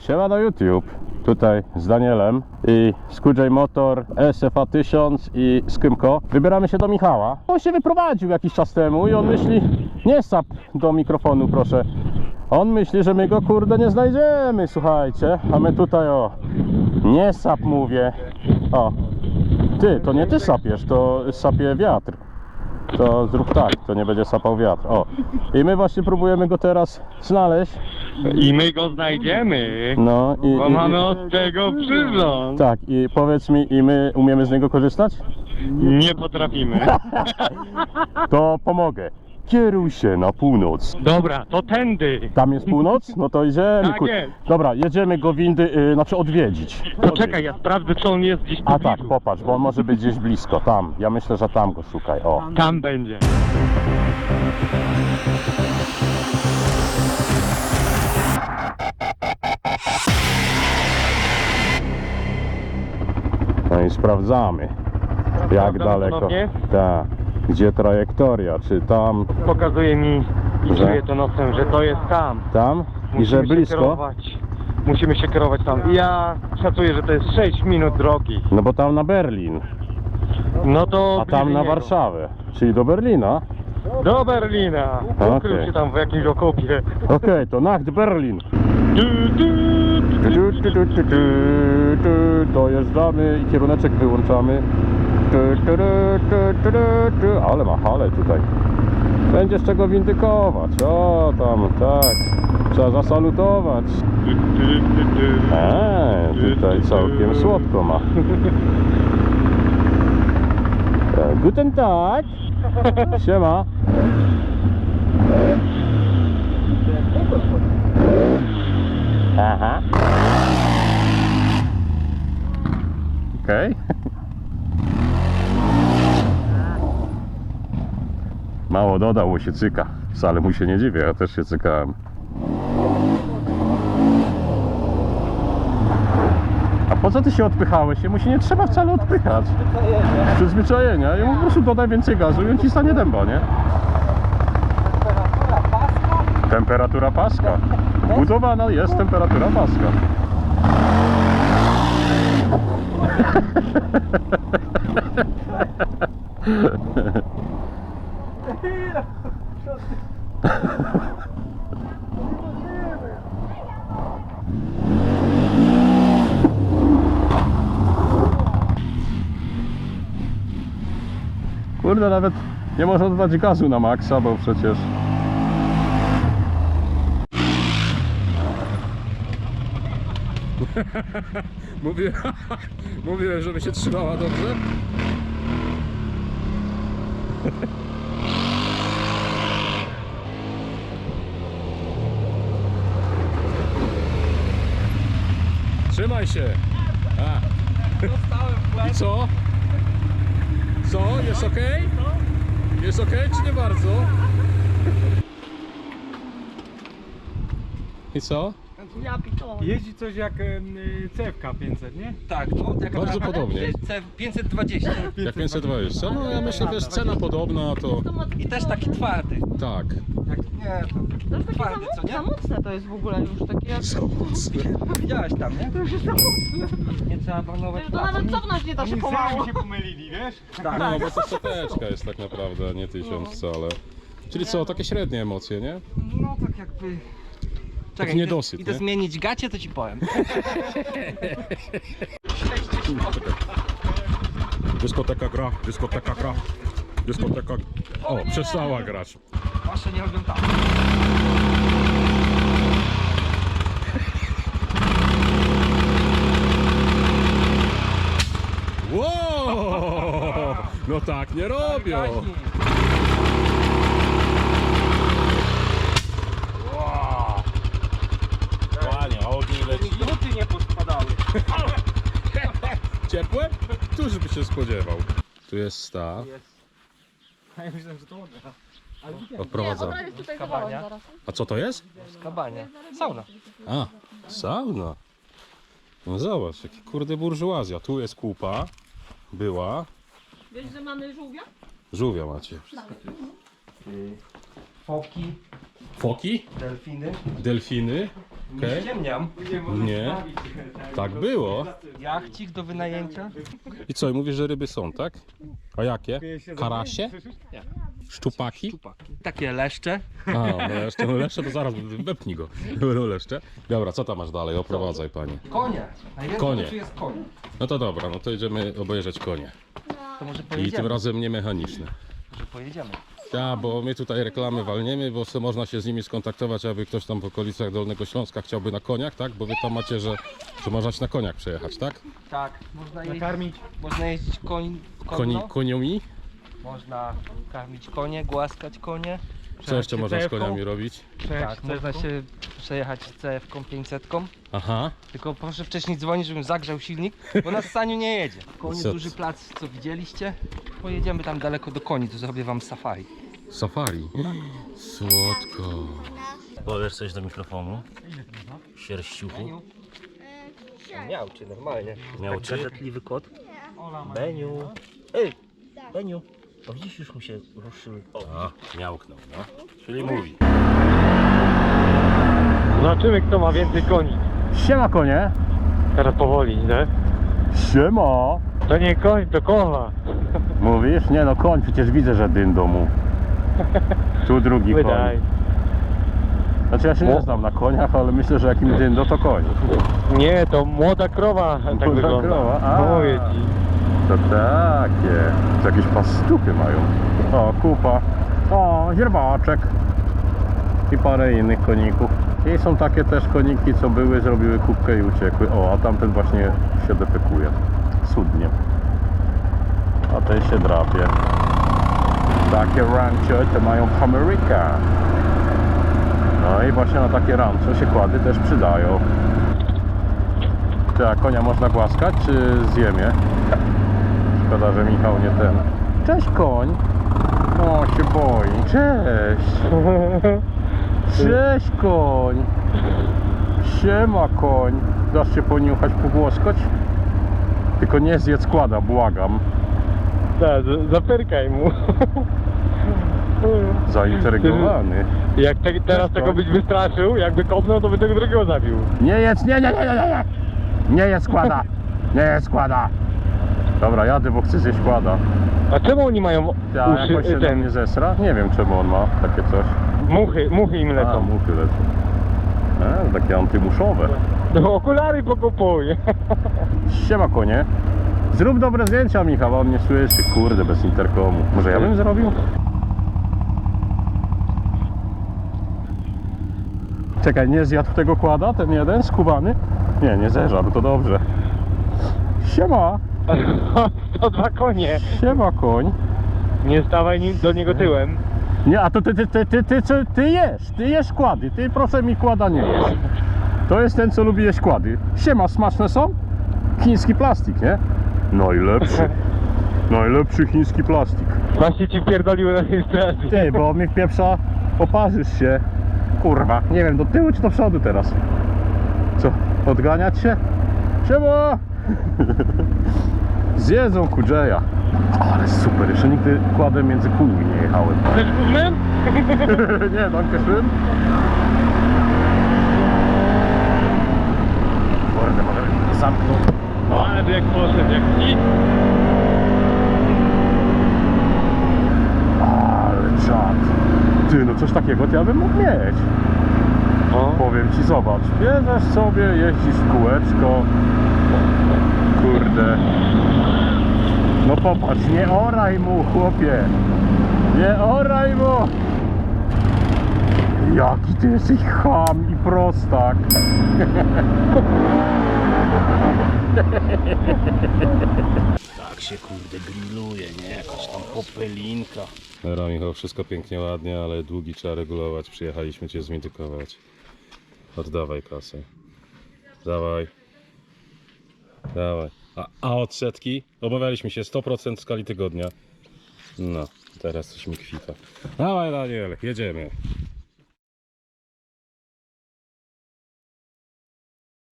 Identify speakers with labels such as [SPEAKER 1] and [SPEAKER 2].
[SPEAKER 1] Siema do YouTube. Tutaj z Danielem i z QJ Motor, SFA 1000 i z Kymko. Wybieramy się do Michała. On się wyprowadził jakiś czas temu i on myśli, nie sap do mikrofonu proszę. On myśli, że my go kurde nie znajdziemy, słuchajcie. A my tutaj o, nie sap mówię. O, ty, to nie ty sapiesz, to sapie wiatr. To zrób tak, to nie będzie sapał wiatr. O, i my właśnie próbujemy go teraz znaleźć.
[SPEAKER 2] I my go znajdziemy,
[SPEAKER 1] No
[SPEAKER 2] bo mamy od tego przyrząd.
[SPEAKER 1] Tak, i powiedz mi, i my umiemy z niego korzystać?
[SPEAKER 2] Nie potrafimy.
[SPEAKER 1] To pomogę. Kieruj się na północ.
[SPEAKER 2] Dobra, to tędy.
[SPEAKER 1] Tam jest północ? No to idziemy.
[SPEAKER 2] Tak jest.
[SPEAKER 1] Dobra, jedziemy go windy, znaczy odwiedzić.
[SPEAKER 2] Poczekaj, ja sprawdzę, czy on jest gdzieś
[SPEAKER 1] A
[SPEAKER 2] tu
[SPEAKER 1] tak,
[SPEAKER 2] blizu.
[SPEAKER 1] popatrz, bo on może być gdzieś blisko. Tam, ja myślę, że tam go szukaj. O.
[SPEAKER 2] Tam będzie.
[SPEAKER 1] No i sprawdzamy. Jak
[SPEAKER 2] Sprawdzamy
[SPEAKER 1] daleko.
[SPEAKER 2] ponownie?
[SPEAKER 1] Tak. Gdzie trajektoria? Czy tam?
[SPEAKER 2] Pokazuje mi i
[SPEAKER 1] Że?
[SPEAKER 2] czuję to nosem, że to jest tam.
[SPEAKER 1] Tam? I że
[SPEAKER 2] Musimy się
[SPEAKER 1] blisko?
[SPEAKER 2] kierować. Musimy się kierować tam. I ja szacuję, że to jest 6 minut drogi.
[SPEAKER 1] No bo tam na Berlin,
[SPEAKER 2] No to
[SPEAKER 1] a tam
[SPEAKER 2] bliżej
[SPEAKER 1] na
[SPEAKER 2] niego.
[SPEAKER 1] Warszawę. Czyli do Berlina.
[SPEAKER 2] Do Berlina. Ukrył
[SPEAKER 1] Okej.
[SPEAKER 2] się tam w jakimś okopie.
[SPEAKER 1] Okej, to Nacht Berlin. Dojeżdżamy i kieruneczek wyłączamy. Ale ma halę tutaj. Będzie z czego windykować. O, tam, tak. Trzeba zasalutować. Tutaj całkiem słodko ma. Guten Tag. Siema. Aha. Okej. Mało dodał, bo się cyka. Wcale mu się nie dziwię, ja też się cykałem. A po co ty się odpychałeś? Jemu się nie trzeba wcale odpychać. Przyzwyczajenia. Jemu po prostu dodaj więcej gazu i on ci stanie dęba, nie? Temperatura paska. Budowana jest temperatura paska. Kurde, nawet nie można dodać gazu na maksa, bo przecież... Mówiłem, żeby się trzymała dobrze. Trzymaj się. I co? Co? Jest ok? Jest ok, czy nie bardzo? I co?
[SPEAKER 3] Jeździ coś jak CFK 500, nie?
[SPEAKER 4] Tak, no tak
[SPEAKER 1] Bardzo
[SPEAKER 4] naprawdę
[SPEAKER 1] podobnie.
[SPEAKER 4] jest C520
[SPEAKER 1] Jak 520. No ja myślę, wiesz, cena podobna to...
[SPEAKER 4] i też taki twardy.
[SPEAKER 1] Tak.
[SPEAKER 4] Jak, nie,
[SPEAKER 5] To jest takie
[SPEAKER 4] twardy, co nie?
[SPEAKER 5] za mocne to jest w ogóle już takie jak...
[SPEAKER 1] Za mocne.
[SPEAKER 4] Widziałeś tam, nie?
[SPEAKER 5] To już jest za mocne.
[SPEAKER 4] Nie trzeba marnować
[SPEAKER 5] To nawet cofnąć nie da się pomału.
[SPEAKER 3] Sami się pomylili, wiesz?
[SPEAKER 1] No bo to seteczka jest tak naprawdę, a nie 1000 wcale. Czyli co, takie średnie emocje, nie?
[SPEAKER 4] No tak jakby...
[SPEAKER 1] Taki niedosyt,
[SPEAKER 4] idę
[SPEAKER 1] nie?
[SPEAKER 4] zmienić gacie, to ci powiem.
[SPEAKER 1] Dyskoteka gra, dyskoteka gra, dyskoteka... O, przestała grać.
[SPEAKER 4] Wasze nie oglądamy.
[SPEAKER 1] Wow! No tak nie robią. Ładnie, ogień leci.
[SPEAKER 3] Druty nie pospadały.
[SPEAKER 1] Ciepłe? Któż by się spodziewał? Tu jest staw.
[SPEAKER 3] A ja myślałem, że to odra.
[SPEAKER 1] Odprowadzamy.
[SPEAKER 5] Nie, jest tutaj zawołać zaraz.
[SPEAKER 1] A co to jest?
[SPEAKER 4] Skabanie. Sauna.
[SPEAKER 1] A, sauna. No zobacz, jaki kurde burżuazja. Tu jest kupa. Była.
[SPEAKER 5] Wiesz, że mamy żółwia?
[SPEAKER 1] Żółwia macie.
[SPEAKER 4] Foki,
[SPEAKER 1] Foki,
[SPEAKER 4] delfiny.
[SPEAKER 1] delfiny. Okej.
[SPEAKER 4] Nie ściemniam.
[SPEAKER 1] Nie, tak było.
[SPEAKER 4] Jachcik do wynajęcia?
[SPEAKER 1] I co, i mówisz, że ryby są, tak? A jakie? Karasie? Szczupaki?
[SPEAKER 4] Czupaki. Takie leszcze.
[SPEAKER 1] A, no leszcze to zaraz, wepnij go. Będą leszcze. Dobra, co tam masz dalej? Oprowadzaj, panie.
[SPEAKER 4] Konie. Najwięcej
[SPEAKER 1] Konie.
[SPEAKER 4] rzeczy jest koń.
[SPEAKER 1] No to dobra, no to idziemy obejrzeć konie.
[SPEAKER 4] To może
[SPEAKER 1] I tym
[SPEAKER 4] pojedziemy.
[SPEAKER 1] razem nie mechaniczne.
[SPEAKER 4] Może pojedziemy.
[SPEAKER 1] Ja, bo my tutaj reklamy walniemy, bo sobie można się z nimi skontaktować, aby ktoś tam w okolicach Dolnego Śląska chciałby na koniach, tak? Bo wy tam macie, że można na koniach przejechać, tak?
[SPEAKER 4] Tak, można jeździć,
[SPEAKER 2] Nakarmić.
[SPEAKER 4] można jeździć konno.
[SPEAKER 1] Koniami?
[SPEAKER 4] Można karmić konie, głaskać konie.
[SPEAKER 1] Co jeszcze można z
[SPEAKER 2] CF-ką?
[SPEAKER 1] koniami robić?
[SPEAKER 4] Tak, można się przejechać CF-ką 500.
[SPEAKER 1] Aha.
[SPEAKER 4] Tylko proszę wcześniej dzwonić, żebym zagrzał silnik, bo na Saniu nie jedzie. Konie,
[SPEAKER 1] Co?
[SPEAKER 4] duży plac, co widzieliście. Pojedziemy tam daleko do koni, to zrobię wam safari.
[SPEAKER 1] Safari. Słodko. Powiesz coś do mikrofonu? Sierściuchu.
[SPEAKER 4] Miał cię normalnie.
[SPEAKER 1] Miał cię?
[SPEAKER 6] Gazetliwy kot. Beniu. Ej, Beniu. O, widzisz, już mu się ruszyły. O,
[SPEAKER 1] A, miałknął, no. Czyli mówi.
[SPEAKER 2] Zobaczymy, kto ma więcej koni.
[SPEAKER 1] Siema konie.
[SPEAKER 2] Teraz powoli, nie?
[SPEAKER 1] Siema.
[SPEAKER 2] To nie koń, to koła.
[SPEAKER 1] Mówisz? Nie no, koń, przecież widzę, że dyn domu. Tu drugi koń.
[SPEAKER 2] Wydaj.
[SPEAKER 1] Znaczy ja się nie znam na koniach, ale myślę, że jakim dyndo to koń.
[SPEAKER 2] Nie, to młoda krowa tak
[SPEAKER 1] Młoda
[SPEAKER 2] wygląda.
[SPEAKER 1] krowa, a.
[SPEAKER 2] Mówię ci.
[SPEAKER 1] To takie. To jakieś pastupy mają. O, kupa. O, źrebaczek. I parę innych koników. I są takie też koniki, co były, zrobiły kubkę i uciekły. O, a tamten właśnie się defekuje. Cudnie. A ten się drapie. Takie rancho to mają w Ameryce. No i właśnie na takie rancho się kłady też przydają. Ty, a konia można głaskać, czy zjemie? Szkoda, że Michał nie ten. Cześć koń! O, się boi. Cześć! Cześć koń! Siema koń! Dasz się poniuchać, pogłoskać? Tylko nie zjedz składa, błagam.
[SPEAKER 2] Tak, zaperkaj mu.
[SPEAKER 1] Zaintrygowany.
[SPEAKER 2] Jak teraz tego byś wystraszył, jakby kopnął, to by tego drugiego zabił.
[SPEAKER 1] Nie jedz, nie! Nie jedz składa! Nie jedz składa! Dobra, jadę, bo chcę zjeść składa.
[SPEAKER 2] A czemu oni mają
[SPEAKER 1] Ja jakoś się na mnie zesra? Nie wiem, czemu on ma takie coś.
[SPEAKER 2] muchy im
[SPEAKER 1] A,
[SPEAKER 2] lecą.
[SPEAKER 1] muchy lecą. Takie antymuszowe.
[SPEAKER 2] No okulary pokupuj.
[SPEAKER 1] Siema konie. Zrób dobre zdjęcia, Michał, on nie słyszy. Kurde, bez interkomu. Może ja bym zrobił? Czekaj, nie zjadł tego kłada, ten jeden skubany? Nie, nie zeżarł, to dobrze. Siema,
[SPEAKER 2] 102 konie.
[SPEAKER 1] siema koń.
[SPEAKER 2] Nie stawaj do niego tyłem.
[SPEAKER 1] Nie, a to ty jesz kłady, ty proszę mi kłada nie jesz. To jest ten, co lubi jeść kłady. Siema, smaczne są? Chiński plastik, nie? Najlepszy. Najlepszy chiński plastik.
[SPEAKER 2] Właśnie ci wpierdoliły na rejestracji.
[SPEAKER 1] Ty, bo mi wpieprza, poparzysz się. Kurwa, nie wiem, do tyłu czy do przodu teraz? Co, odganiać się? Siema! Zjedzą kudrzeja. Ale super, jeszcze nigdy kładem między kółmi nie jechałem.
[SPEAKER 2] Chcesz guzmen?
[SPEAKER 1] Nie, danke schön. Kurde, może zamknął.
[SPEAKER 2] No ale jak poszedł, jak nic.
[SPEAKER 1] Ale czad. Ty, no coś takiego to ja bym mógł mieć.
[SPEAKER 2] O.
[SPEAKER 1] Powiem ci, zobacz, bierzesz sobie, jeździsz w kółeczko. Kurde. No popatrz, nie oraj mu, chłopie. Nie oraj mu. Jaki ty jesteś cham i prostak. Tak się kurde grilluje, nie? Jakaś tam popelinka. Dobra, Michał, wszystko pięknie, ładnie, ale długi trzeba regulować. Przyjechaliśmy cię zmitykować. Oddawaj kasę. Dawaj. Dawaj. A odsetki? Obawialiśmy się 100% w skali tygodnia. No, teraz coś mi kwita. Dawaj, Daniel, jedziemy.